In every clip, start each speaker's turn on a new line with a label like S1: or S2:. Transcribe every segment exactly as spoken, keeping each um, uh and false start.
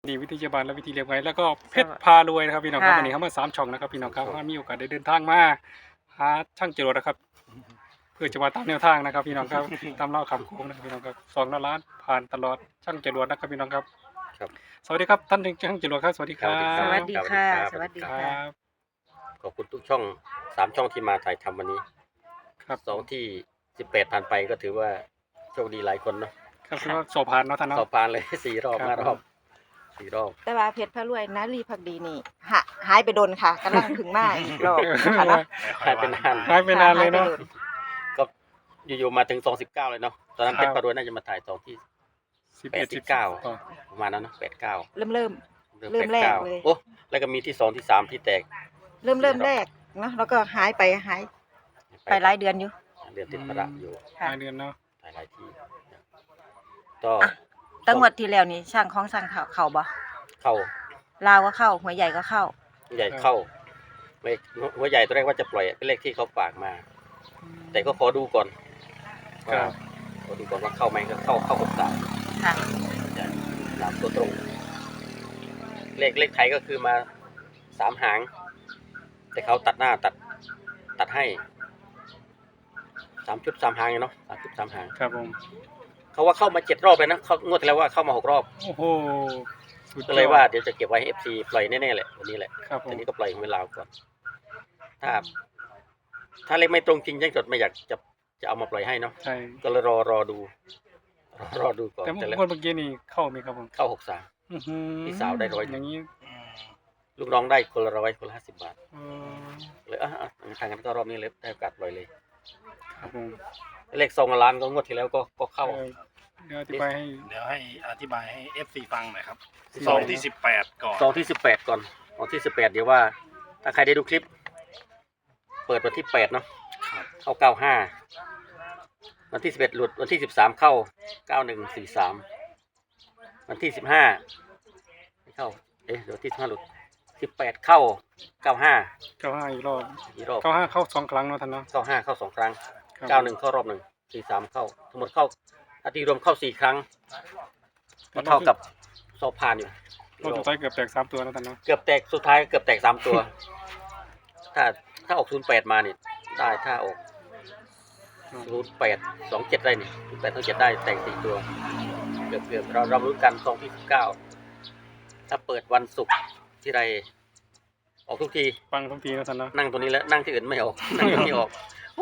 S1: นี่วิทยาบาลและวิธีเลี้ยงไว้แล้วก็เพชรพารวยนะครับพี่น้องครับ
S2: ค่ะ
S1: วันนี้เข้ามาสามช่องนะครับพี่น้องครับมีโอกาสได้เดินทางมาหาช่างจรวดนะครับ เพื่อจะมาตามแนวทางนะครับพี่น้องครับ ตามเล่าคำโค้งนะครับพี่น้องครับสองล้านผ่านตลอดช่างจรวดนะครับพี่น้องครับ
S3: ครับ
S1: สวัสดีครับท่านช่างจรวดครับสวัสดีครับ
S2: สวัสดีค่ะ
S3: ครับ
S2: สวัสดี
S1: ค
S2: ค่ะ
S1: รับ
S3: ขอบคุณทุกช่องสามช่องที่มาถ่ายทำวันนี้
S1: ครับ
S3: สองที่สิบแปดผ่านไปก็ถือว่าโชคดีหลายคนเนาะ
S1: ครับคือว่าสอบผ่านเนาะท่าน
S3: สอ
S1: เนาะ
S3: บผ่านเลย สี่รอบ
S1: ครับ
S3: ห้ารอบสี่รอบ
S2: แต่ว่าเพชรพระรวยนารีพักดีนี่หะหายไปโดนค่ะกำลังถึงมาอีกรอบนะคะเนาะ
S3: หายไปนาน
S1: หายไปนานเลยเนาะ
S2: หไปโด
S3: ก็อยู่ๆมาถึงสองสิบเก้าเลยเนาะตอนนั้น
S1: ครับ
S3: เป็นปารวยน่าจะมาถ่ายสองที่
S1: สิบ
S3: แป
S1: เอ็
S3: ด
S1: ด
S3: สิ
S1: สิ
S3: บบ เก้า
S1: เก้า
S3: ประมาณนั้นเนาะแปดเก้า
S2: เริ่มเริ่ม
S3: เริ่ม
S2: เริ่ม
S3: แปดเก้า
S2: แรกเลย
S3: โอ้แล้วก็มีที่สองที่สามที่แตก
S2: เริ่มเริ่มแรกเนาะแล้วก็หายไปหายไปหลายเดือนอยู่
S3: เดือนติดประอยู่
S2: ค่ะ
S1: หลายเดือนเนาะ
S3: ถ่ายหลายที่ก็
S2: อ่ะ ตั้งวดที่แล้วนี่ช่างของช่างเขาเขาบ่
S3: เข้า
S2: ลาวก็เข้าหัวใหญ่ก็เข้า
S3: ใหญ่เข้าเลขหัวใหญ่ตัวแรกว่าจะปล่อยเป็นเลขที่เขาฝากมา แต่ก็ขอดูก่อน
S1: ค
S3: ว่า
S1: รับ
S3: ขอดูก่อนว่าเข้าไหมก็เข้าเข้าหกสาม
S2: ค่ะ
S3: จะตามตัวตรง เลขเลขไทยก็คือมาสามหาง แต่เขาตัดหน้าตัดตัดให้สามชุดสามหางเนาะสามชุดสามหาง
S1: ครับผม
S3: เขาว่าเข้ามาเจ็ดรอบเลยนะเขางวดที่แล้วว่าเข้ามาหกรอบ
S1: โอ้โหสุด
S3: ก็เลยว่าเดี๋ยวจะเก็บไว้ให้เอฟซีปล่อยแน่ๆแหละวันนี้แหละ
S1: ครับผ
S3: ที
S1: ม
S3: นี้ก็ปล่อยเวลาก่อนถ้า ถ้าเลขไม่ตรงจริงยังจดไม่อยากจะจะเอามาปล่อยให้เนาะ
S1: ใช่
S3: ก็เลยรอรอดูรอรอดูก่อน
S1: แต่
S3: แต่แล้ว
S1: เมื่อกี้นี่เข้าไหมครับผม
S3: เข้าหกสาม
S1: อื้อหือ
S3: พี่สาวได้ร้อย
S1: อย่างนี้
S3: ลูกน้องได้คนละร้อยคนละห้าสิบบาท
S1: เออ
S3: เลยอ่ะอ่ะทางนั้นก็รอบนี้เลยได้โอกาสปล่อยเลย
S1: ครับผม
S3: เลขซองละล้านก็งวดที่แล้วก็ก็เข้า
S1: เออเดี๋ยวอธิบายให้
S4: เดี๋ยวให้อธิบายให้ เอฟ ซี ฟังหน่อยครับ
S3: สิบ
S4: ซองที่สิบแปดก่อน
S3: ซองที่สิบแปดก่อนซองที่สิบแปดเดี๋ยวว่า ถ้าใครได้ดูคลิป เปิดวันที่แปดเนาะ
S4: ครับ
S3: เข้าเก้าห้าวันที่สิบเอ็ดหลุดวันที่สิบสามเข้าเก้าหนึ่งสี่สามวันที่สิบห้าไม่เข้าเอ๊ะเดี๋ยวที่สิบห้าหลุดสิบแปดเข้าเก้าห้า
S1: เก้าห้าอีกรอบ
S3: อีกรอบ
S1: เก้าห้าเข้าสองครั้งเนาะท่านเนาะ
S3: เก้าห้าเข้าสองครั้ง
S1: ครับ
S3: เก้าหนึ่งเข้ารอบหนึ่งสี่สามเข้าทั้งหมดเข้าถ้าตีรวมเข้าสี่ครั้งก็เท่ากับสอบผ่านอยู่
S1: รอบสุดท้ายเกือบแตกสามตัวนะท่านเนาะ
S3: เกือบแตกสุดท้ายเกือบแตกสามตัว ถ้าถ้าออกศูนย์แปดมาเนี่ยได้ถ้าออกศูนย์แปดสองเจ็ดได้เนี่ยศูนย์แปดสองเจ็ดได้แตกสี่ตัว เกือบเกือบเราเรารู้กันซองที่สิบเก้าถ้าเปิดวันศุกร์ที่ใดออกทุกที
S1: ฟังทุกทีนะท่านเนาะ
S3: นั่งตัวนี้แล้วนั่งที่อื่นไม่ออก นั่งตัวนี้ออก โอ้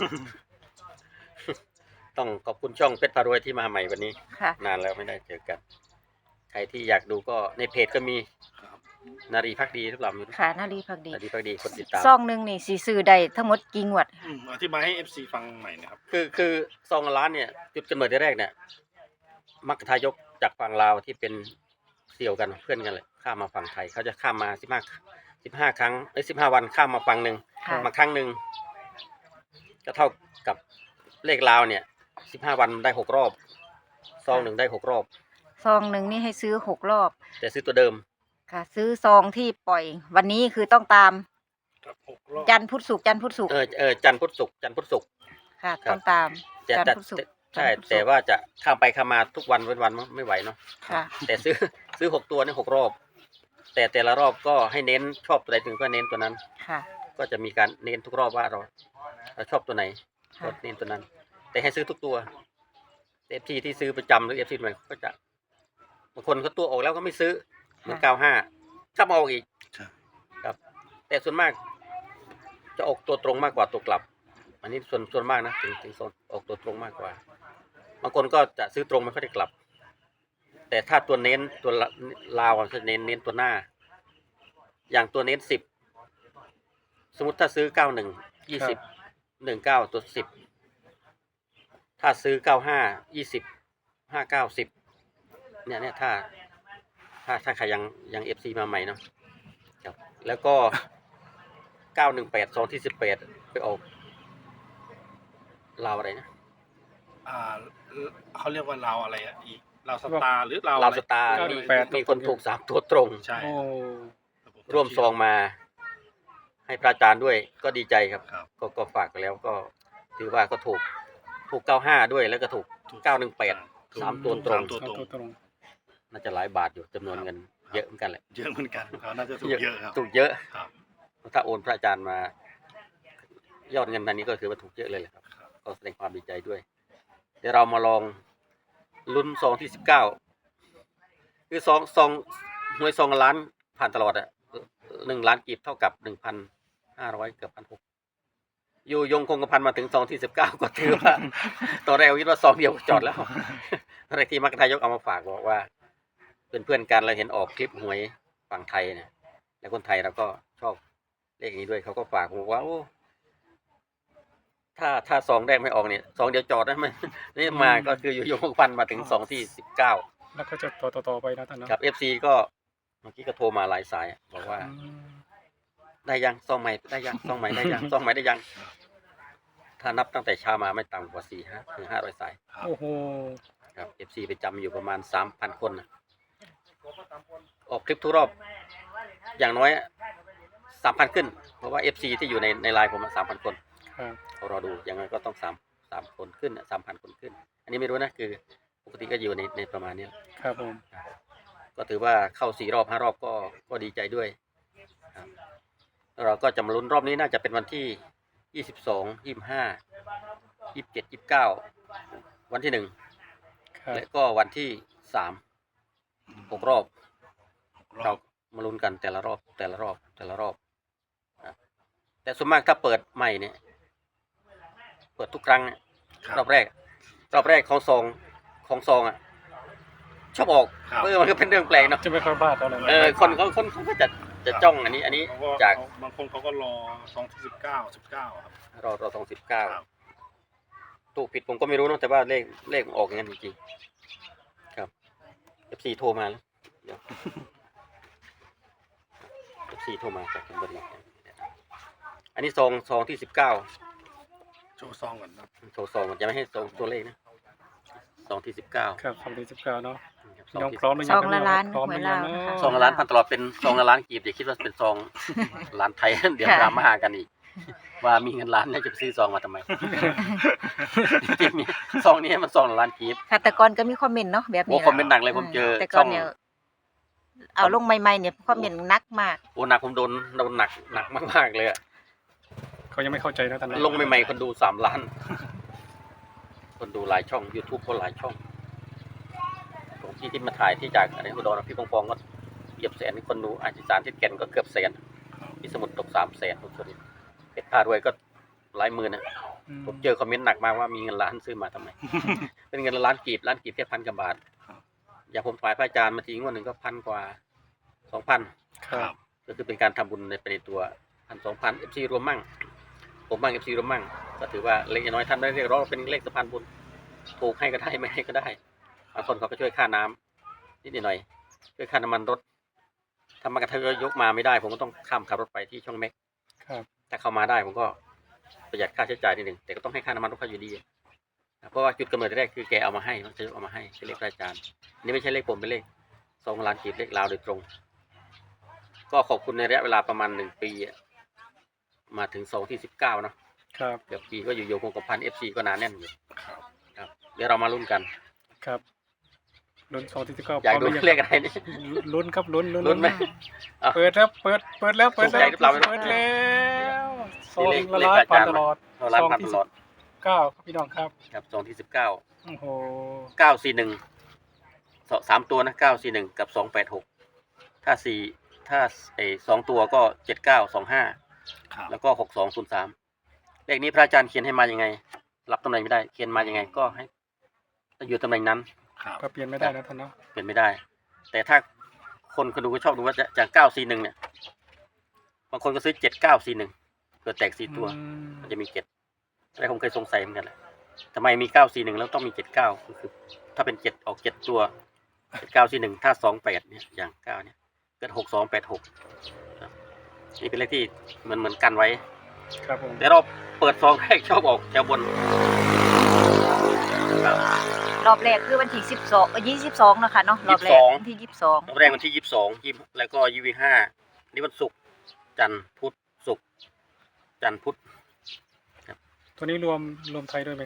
S3: ต้องขอบคุณช่องเพชรพารวยที่มาใหม่วันนี้
S2: ค่ะ
S3: นานแล้วไม่ได้เจอกัน ใครที่อยากดูก็ในเพจก็มีนารีพักดีหรือเปล่าไม่รู้
S2: ค่ะนารีพักดี
S3: นารีพักดีคนติดตาม
S2: ซองหนึงนี่สีซื้อได้ทั้งหมดกี่งวด
S4: อืมอธิบายให้ เอฟ ซี ฟังใหม่นะครับ
S3: คือคือซองละล้านเนี่ยจุดกำเนิดแรกเนี่ยมักทายกจากฝั่งลาวที่เป็นเสี่ยวกันเพื่อนกันเลยข้ามมาฝั่งไทยเขาจะข้ามมาสิบห้าสิบห้าครั้งไอ้สิบห้าวันข้ามมาฝั่งหนึ่ง
S2: ค่ะ
S3: มาครั้งหนึ่งก็เท่ากับเลขลาวเนี่ยสิบห้าวันได้หกรอบซองหนึ่งได้หกรอบ
S2: ซองหนึ่งนี่ให้ซื้อหกรอบ
S3: แต่ซื้อตัวเดิม
S2: ค่ะ ซื้อซองที่ปล่อย วันนี้คือต้องตาม
S4: ครับหกรอบ
S2: จันทร์พุธศุกร์จันทร์พุธศุกร์
S3: เออเออจันทร์พุธศุกร์จันทร์พุธศุกร์
S2: ค่ะ
S3: ครับ
S2: ต้องตาม
S3: จะ
S2: จันท
S3: จะ
S2: ร์พุธศุกร์
S3: ใช่
S2: จันทร์พุธศุกร์
S3: แต่ว่าจะข้ามไปข้ามมาทุกวันเว้นวันไม่ไหวเนาะ
S2: ค่ะ
S3: แต่ซื้อ ซื้อหกตัวเนี่ยหกรอบ แต่แต่ละรอบก็ให้เน้นชอบตัวใดถึงก็เน้นตัวนั้น
S2: ค่ะ
S3: ก็จะมีการเน้นทุกรอบว่าเราเราชอบตัวไหนก็
S2: ค่ะ
S3: เน้นตัวนั้น แต่ให้ซื้อทุกตัวเอฟซีที่ซื้อประจำหรือเอฟซีใหม่ก็จะบางคนเขาตัวออกแล้วก็ไม่ซื้อเหมือนเก้าห้าถ้ามาออกอีก
S4: ใช่
S3: ครับ แต่ส่วนมาก จะออกตัวตรงมากกว่าตัวกลับ อันนี้ส่วนส่วนมากนะถึงถึงโซนออกตัวตรงมากกว่า บางคนก็จะซื้อตรงไม่ค่อยได้กลับ แต่ถ้าตัวเน้นตัวละลาวจะเน้นเน้นตัวหน้า อย่างตัวเน้นสิบสมมติถ้าซื้อเก้าหนึ่งยี่สิบหนึ่งเก้าตัวสิบถ้าซื้อเก้าห้ายี่สิบห้าเก้าสิบเนี่ยเนี่ยถ้า ถ้าถ้าใครยังยังเอฟซีมาใหม่เนาะครับแล้วก็เก้าหนึ่งแปดสองที่สิบแปดไปออกลาวอะไรนะ
S4: อ่าเขาเรียกว่าเราอะไรอ่ะอีกเราสตาร์หรือเรา
S3: ลาว
S4: อะไร
S3: สตาร์
S1: เก้าห
S3: มี
S1: นึ่งแปด
S3: มีคนถูกสามตัวตรง
S4: ใช่
S1: โอ้
S3: ร่วมซองมา ให้พระอาจารย์ด้วยก็ดีใจครับ
S4: ครับ
S3: ก็ก็ฝากไปแล้วก็ถือว่าก็ถูกถูกเก้าห้าด้วยแล้วก็ถูก
S4: ถูก
S3: เก้าหนึ่งแปด
S4: ถูก
S3: สามตัวตรง
S4: สามตัว
S1: เอาตัวตรง
S3: น่าจะหลายบาทอยู่จำนวนเงินเยอะเหมือนกันแหละ
S4: เยอะเหมือนกันเขาน่าจะถูกเยอะครับ
S3: ถูกเยอะ
S4: ครับ
S3: ถ้าโอนพระอาจารย์มา ยอดเงินอันนี้ก็คือว่าถูกเยอะเลยแหละครับ
S4: ครับ
S3: ก็แสดงความดีใจด้วย เดี๋ยวเรามาลองลุ้นซองที่สิบเก้าคือซองซองหวยซองล้านผ่านตลอดอะหนึ่งล้านกีบเท่ากับหนึ่งพันห้าร้อยเกือบพันหกอยู่ยงคงกระพันมาถึงซองที่สิบเก้าก็ถือว่า ตอนแรกคิดว่าซองเดียวจอดแล้วตอนแรกที่มรรคนายกเอามาฝากบอกว่าเป็นเพื่อนกันเราเห็นออกคลิปหวยฝั่งไทยเนี่ยแล้วคนไทยเราก็ชอบเลขนี้ด้วยเขาก็ฝากบอกว่าโอ้ถ้าถ้าซองแรกไม่ออกเนี่ยซองเดียวจอดได้ไหมนี่มาก็คืออยู่ยงคงกระพันมาถึงซองที่สิบเก้า
S1: แล้วก็จะต่อต่อต่อไปนะท่านเนาะ
S3: กับ เอฟ ซี ก็เมื่อกี้ก็โทรมาหลายสายบอกว่า
S1: อืม
S3: ได้ยังซองใหม่ได้ยังซองใหม่ได้ยังซองใหม่ได้ยัง ถ้านับตั้งแต่เช้ามาไม่ต่ำกว่าสี่ห้าถึงห้าร้อยสาย
S1: โอ้โห
S3: ครับ เอฟ ซี ไปจำอยู่ประมาณสามพันคนนะออกคลิปทุกรอบ อย่างน้อยสามพันขึ้น เพราะว่า เอฟ ซี ที่อยู่ในในไลน์ผมสามพันคน
S1: ครับ
S3: เขารอดูอย่างน้อยก็ต้องสามสามคนขึ้นสามพันคนขึ้น อันนี้ไม่รู้นะคือปกติก็อยู่ในในประมาณนี้
S1: ครับผม
S3: ก็ถือว่าเข้าสี่รอบห้ารอบก็ก็ดีใจด้วยครับแล้วเราก็จะมาลุ้นรอบนี้น่าจะเป็นวันที่ยี่สิบสองยี่สิบห้ายี่สิบเจ็ดยี่สิบเก้าวันที่หนึ่ง
S1: ครับ
S3: และก็วันที่สามหกรอบ
S4: ร
S3: เรา
S4: อบ
S3: มาลุ้นกันแต่ละรอบแต่ละรอบแต่ละรอบครับแต่ส่วนมากถ้าเปิดใหม่เนี่ย เปิดทุกครั้งเนี่ย
S4: ครับ
S3: รอบแรก รอบแรกของซองของซองอ่ะชอบออก
S4: ครับ
S3: เออมันก็เป็นเรื่องแปลกเนาะ
S1: จะไม่ค่อยบ้าเท่าไหร่
S3: เออคนเขาคนเขาก็จะจะจ้องอันนี้ อันนี้
S4: เขาก็
S3: จาก
S4: บางคนเขาก็รอซองที่สิบเก้าสิบเก้าครับ
S3: รอรอสองสิบเก้า
S4: ครับ
S3: ถูกผิดผมก็ไม่รู้เนอะแต่ว่าเลขเลขมันออกอย่างนั้นจริงๆครับ เอฟ ซี โทรมาแล้วเดี๋ยว เอฟ ซี โทรมาจากจังหวัดไหนอันนี้ซองซองที่สิบเก้า
S4: โชว์ซองก่อนครับ
S3: โชว์ซองมันจะไม่ให้ซองตัวเลขนะซองที่สิบเก้า
S1: ครับสองพันสิบเก้าเนาะ
S3: ซอ
S1: พี่น้
S3: ง
S1: อง
S3: ที่
S1: พร้อมหรือ
S2: ซ
S1: ยัง
S2: องละล้าน
S1: พร้อม
S2: ห
S1: ห
S2: วย
S1: รือยั
S2: ลาง ว
S1: เนาะ
S2: นะคะ
S3: ซองละล้านพันตลอดเป็นซองละล้านกีบอย่าคิดว่าเป็นซองล้านไทย เดี๋ยว
S2: ค่ะ
S3: ดราม่ากันอีก ว่ามีเงินล้านแล้วจะไปซื้อซองมาทำไม จริงๆซองนี้มันซองละล้านกีบ
S2: ค่ะแต่ก่อนก็มีคอมเมนต์เนาะแบบ
S3: โอ้
S2: นี้
S3: คอมเมนต์หนักเลยผมเจอ
S2: แต่ก่
S3: ช่
S2: อ
S3: อน ง
S2: เนี่ยเอาลงใหม่ๆเนี่ยคอมเมนต์หนักมาก
S3: โอ้หนักผมโดนโดนหนักหนักมากๆเลยอะ
S1: เขายังไม่เข้าใจนะท่านเนาะ
S3: ลงใหม่ๆคนดูสามล้าน คนดูหลายช่อง YouTube ก็หลายช่องผมที่ที่มาถ่ายที่จากอะไรอุดรพี่ปองปองก็เหยียบแสนคนดูอาจจะสารที่แก่นก็เกือบแสนที่สมุทรตกสามแสนทุกคนเพชรพารวยก็หลายหมื่นนะ
S1: อืม
S3: ผมเจอคอมเมนต์หนักมากว่ามีเงินล้านซื้อมาทำไม เป็นเงินล้านกีบล้านกีบแค่พันกว่าบาท อย่างผมถวายพระอาจารย์มาทีงวดหนึ่งก็พันกว่าสองพัน
S1: ครับ
S3: ก็คือเป็นการทำบุญในไปในตัวพันสองพันเอฟซีรวมมั่ง ผมมั่งเอฟซีรวมมั่ง ก็ถือว่าเล็กน้อยท่านได้เรียกร้องเป็นเลขสะพานบุญถูกให้ก็ได้ไม่ให้ก็ได้บางคนเขาก็ช่วยค่าน้ำนิดหน่อยช่วยค่าน้ำมันรถถ้ามากระทั่งยกมาไม่ได้ ผมก็ต้องข้ามขับรถไปที่ช่องเม็ก
S1: ครับ
S3: ถ้าเข้ามาได้ผมก็ประหยัดค่าใช้จ่ายนิดหนึ่งแต่ก็ต้องให้ค่าน้ำมันรถเขาอยู่ดีเพราะว่าจุดกำเนิดแรกคือแกเอามาให้มันจะเอามาให้เป็นเลขพระอาจารย์อันนี้ไม่ใช่เลขผมเป็นเลขสองล้านกีบเลขลาวโดยตรง ก็ขอบคุณในระยะเวลาประมาณหนึ่งปีอะมาถึงซองที่สิบเก้าเนาะ
S1: ครับ
S3: เกือบปีก็อยู่โยงคงกระพันเอฟซีก็หนาแน่นอยู่
S4: ครับ
S3: ครับเดี๋ยวเรามาลุ้นกัน
S1: ครับลุ้นสองที่สิบเก้า
S3: อยากดู
S1: พร้มหรื
S3: เล
S1: ง
S3: ขอะไรนี่
S1: ลุ้นครับลุ้นลุ้น
S3: ลุ้นไหม เอา
S1: เปิดแล้วเปิดเปิดแล้วเปิด
S3: ถูก
S1: แล้
S3: ใจ
S1: ว
S3: หรือเปล่าไม่รู้
S1: เปิดแล้วซอง
S3: เลข
S1: ละ
S3: เลข
S1: ล้าน
S3: อา
S1: พัน
S3: จารย์
S1: ตลอด
S3: เราล้านพันตลอด
S1: เก้าครับพี่น้องครับ
S3: ครับซองที่สิบเก้า
S1: โอ้โห
S3: เก้าสี่หนึ่งสามตัวนะเก้าสี่หนึ่งกับสองแปดหกถ้าสี่ถ้าไอสองตัวก็เจ็ดเก้าสองห้า
S4: ครับ
S3: แล้วก็หกสองศูนย์สามเลขนี้พระอาจารย์เขียนให้มายังไง รับตำแหน่งไม่ได้เขียนมายังไงก็ให้อยู่ตำแหน่งนั้น
S4: ครับ
S1: ก็เปลี่ยนไม่ได้นะท่านเนาะ
S3: เป็นไม่ได้ แต่ถ้าคนคนดูก็ชอบดูว่าจะจากเก้าสี่หนึ่งเนี่ยบางคนก็ซื้อเจ็ดเก้าสี่หนึ่งเกิดแตกสี่ตัว
S1: อืม
S3: มันจะมีเจ็ดอะไรผมเคยสงสัยเหมือนกันแหละทำไมมีเก้าสี่หนึ่งแล้วต้องมีเจ็ดเก้าคือ ถ้าเป็นเจ็ดออกเจ็ดตัวเจ็ดเก้าสี่หนึ่งถ้าสองแปดเนี่ยอย่างเก้าเนี่ยเกิดหกสองแปดหกนี่เป็นเลขที่เหมือนเหมือนกันไว้
S1: ครับผม
S3: แต่เราเปิดซองแรกชอบออกแถวบนครับ
S2: รอบแรกคือวันที่สิบสองยี่สิบสองนะคะเนาะรอบแรกวันที่ยี่สิบสอง
S3: รอบแรกวันที่ยี่สิบสองยี่แล้วก็ยี่สิบห้านี่วันศุกร์จันทร์พุธศุกร์จันทร์พุธ
S1: ตัวนี้รวมรวมไทยด้วยไหมครับ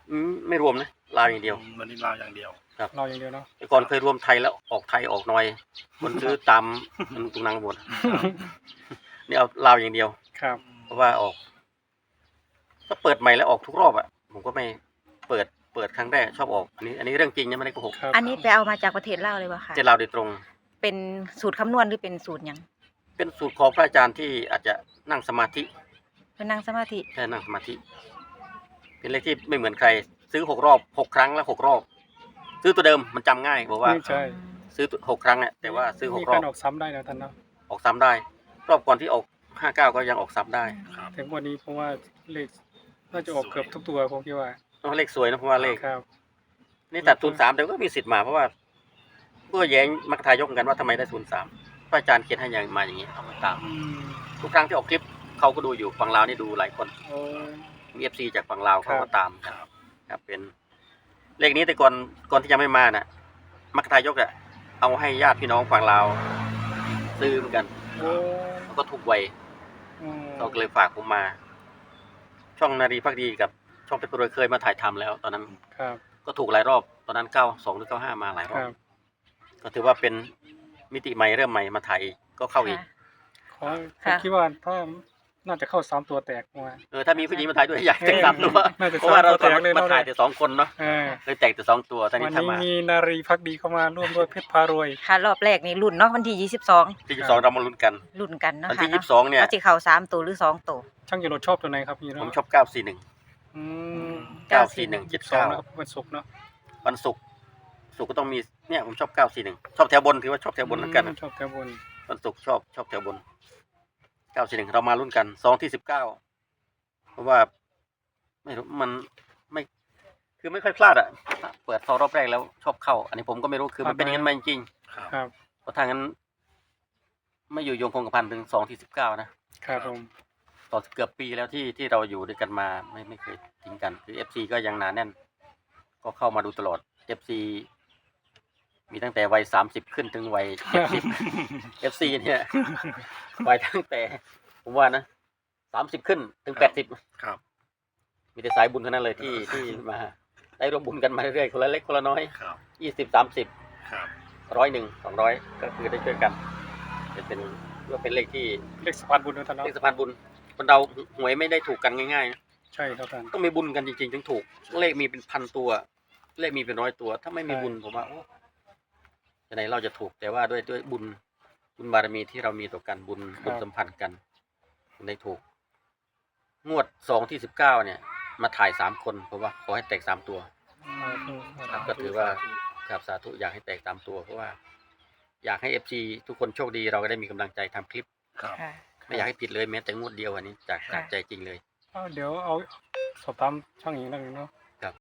S3: อืมไม่รวมนะลาวอย่างเดียว
S4: วันนี้ลาวอย่างเดียว
S1: เราอย่างเดียวเนาะ
S3: แต่ก่อนเคยรวมไทยแล้วออกไทยออกหน่อยคนซื้อตามมันตุงนังหมดนี่เอาลาวอย่างเดียว
S1: ครับ
S3: เพราะว่าออกถ้าเปิดใหม่แล้วออกทุกรอบอ่ะผมก็ไม่เปิดเปิดครั้งแรกชอบออกอันนี้ อันนี้เรื่องจริงนะไม่ได้โกหก
S1: ครับ
S2: อันนี้ไปเอามาจากประเทศลาวเลยวะค่ะ
S3: เจ้าลาวโดยตรง
S2: เป็นสูตรคำนวณหรือเป็นสูตรหยัง
S3: เป็นสูตรของพระอาจารย์ที่อาจจะนั่งสมาธิ
S2: เป็นนั่งสมาธิ
S3: แค่นั่งสมาธิ เป็นเลขที่ไม่เหมือนใคร ซื้อหกรอบหกครั้งแล้วหกรอบ ซื้อตัวเดิมมันจำง่ายบอกว่า
S1: ไม่ใช่
S3: ซื้อหกครั้งเนี่ยแต่ว่าซื้อห
S1: มี
S3: กร
S1: กา
S3: อบ
S1: รออกซ้ำได้นะท่านเนาะ
S3: ออกซ้ำได้ รอบก่อนที่ออกห้าเก้าก็ยังออกซ้ำได้
S4: ครับ
S1: ถึงวันนี้เพราะว่าเลขน่าจะออกเกือบทุกตัวผมคิดว่า
S3: ต้องเลขสวยนะเพราะว่าเลข
S1: ครับ
S3: นี่ตัดศูนย์สามแต่ก็มีสิทธิ์มาเพราะว่าเพื่อแย้งมัคคทายกกันว่าทำไมได้ศูนย์สามพระอาจารย์เขียนให้อย่างมาอย่างนี้เอามาตาม
S1: อืม
S3: ทุกครั้งที่ออกคลิปเขาก็ดูอยู่ฝั่งลาวนี่ดูหลายคน
S1: โอ้
S3: มีเอฟซีจากฝั่งลาวเขา
S1: ครั
S3: ก็
S1: บ
S3: ตามครับครับเป็น เลขนี้แต่ก่อนก่อนที่จะไม่มาน่ะ มัคคทายกอะเอาให้ญาติพี่น้องฝั่งลาวซื้อเหมือนกัน
S1: โอ้
S3: เขาก็ถูกไว
S1: อืม
S3: เขาก็เลยฝากผมมา ช่องนารีพักดีกับช่องเพชรบุรีเคยมาถ่ายทำแล้ว ตอนนั้น
S1: ครับ
S3: ก็ถูกหลายรอบตอนนั้นเก้าสองหรือเก้าห้ามาหลายร
S1: ค
S3: อบ
S1: รับ
S3: ก็ถือว่าเป็นมิติใหม่เริ่มใหม่มาถ่ายอีกก็เข้าอีก
S1: ขอผม
S2: ค่ะ
S1: คิดว่าถ้าน่าจะเข้าสามตัวแตกมา
S3: เออถ้ามีผู้หญิงมาถ่ายด้วยอยากจะกลับตัว
S1: น่าจะ
S3: เพราะว่าเรา
S1: สามตัวแตกเลย
S3: มา
S1: เนอะ
S3: ถ่ายแต่สองคนเนาะ
S1: เออ
S3: เลยแตกแต่สองตัวตอน
S1: วั
S3: นี้
S1: น
S3: ถ้า
S1: นี้
S3: มา
S1: มีนารีพักดีเข้ามาร่วมด้วยเพชรพารวย
S2: ค่ะรอบแรกนี่รุ่นเนาะวันที่ยี่สิบสอง
S3: ที่ยี่สิบสองเรามาลุ้นกัน
S2: รุ่นกันเนาะ
S3: วัน
S2: ค่ะ
S3: ที่ยี่
S2: เนาะ
S3: สิบสองเนี่ย
S2: ว่าสิเข้าสามตัวหรือสองตัว
S1: ช่างยนต์ชอบตัวไหนครับพี่เนาะ
S3: ผมชอบเก้าสี่หนึ่ง
S1: อืม
S3: เก้าสี่หนึ่งเจ็ด
S1: สอง
S3: เก้า
S1: นะครับวันศุกร์เนาะ
S3: วันศุกร์ศุกร์ก็ต้องมีเนี่ยผมชอบเก้าสี่หนึ่งชอบแถวบนถือว่าชอบแถวบนเหมือนกัน
S1: ชอบแถวบน
S3: วันศุกร์ชอบชอบแถวบนเก้าสี่หนึ่งเรามาลุ้นกันสองที่สิบเก้าเพราะว่าไม่รู้มันไม่ คือไม่ค่อยพลาดอ่ะเปิดซอรอบแรกแล้วชอบเข้า อันนี้ผมก็ไม่รู้คือมันเป็นอย่างนั้นมาจริง
S4: ครับ
S1: ครับ
S3: ๆเพราะทางนั้น ไม่อยู่โยงคงกระพันถึงสองที่สิบเก้านะครับ
S1: ผม
S3: ต่อเกือบปีแล้วที่ที่เราอยู่ด้วยกันมาไม่ไม่เคยทิ้งกัน คือเอฟซีก็ยังหนาแน่น ก็เข้ามาดูตลอดเอฟซีมีตั้งแต่วัยสามสิบขึ้นถึงวัยเจ็ดสิบ เอฟซีเนี่ยวัยตั้งแต่ผมว่านะสามสิบขึ้นถึงแปดสิบ
S4: ครับ
S3: มีแต่สายบุญเท่านั้นเลยที่ที่มาได้ร่วมบุญกันมาเรื่อยๆคนละเล็กคนละน้อย
S4: ครับ
S3: ยี่สิบสามสิบ
S4: ครับ
S3: ร้อยหนึ่งสองร้อยก็คือได้ช่วยกันเป็นเป็นว่าเป็นเลขที่
S1: เลขสะพานบุญนะท่านเนาะ
S3: เลขสะพานบุญคนเราหวยไม่ได้ถูกกันง่ายๆนะ
S1: ใช่ครับท่าน
S3: ต้องมีบุญกันจริงๆถึงถูก เลขมีเป็นพันตัว เลขมีเป็นร้อยตัว ถ้าไม่มี
S1: ใช่
S3: บุญผมว่าโอ้จะไหนเราจะถูกแต่ว่าด้วยด้วยบุญบุญบารมีที่เรามีต่อกันบุญบุญสัมพันธ์กันถึงได้ถูก งวดสองที่สิบเก้าเนี่ย มาถ่ายสามคนเพราะว่าขอให้แตกสามตัว
S1: อืม
S3: ครับก็ถือว่าครับสาธุอยากให้แตกตามตัวเพราะว่า อยากให้เอฟซีทุกคนโชคดีเราก็ได้มีกำลังใจทำคลิป
S4: ครับ
S2: ค่ะ
S3: ไม่อยากให้ผิดเลยแม้แต่งวดเดียวอันนี้จาก
S2: ค่ะ
S3: จากใจจริงเลย
S1: เอาเดี๋ยวเอาสอบถามช่างอีกนิดนึงเนาะ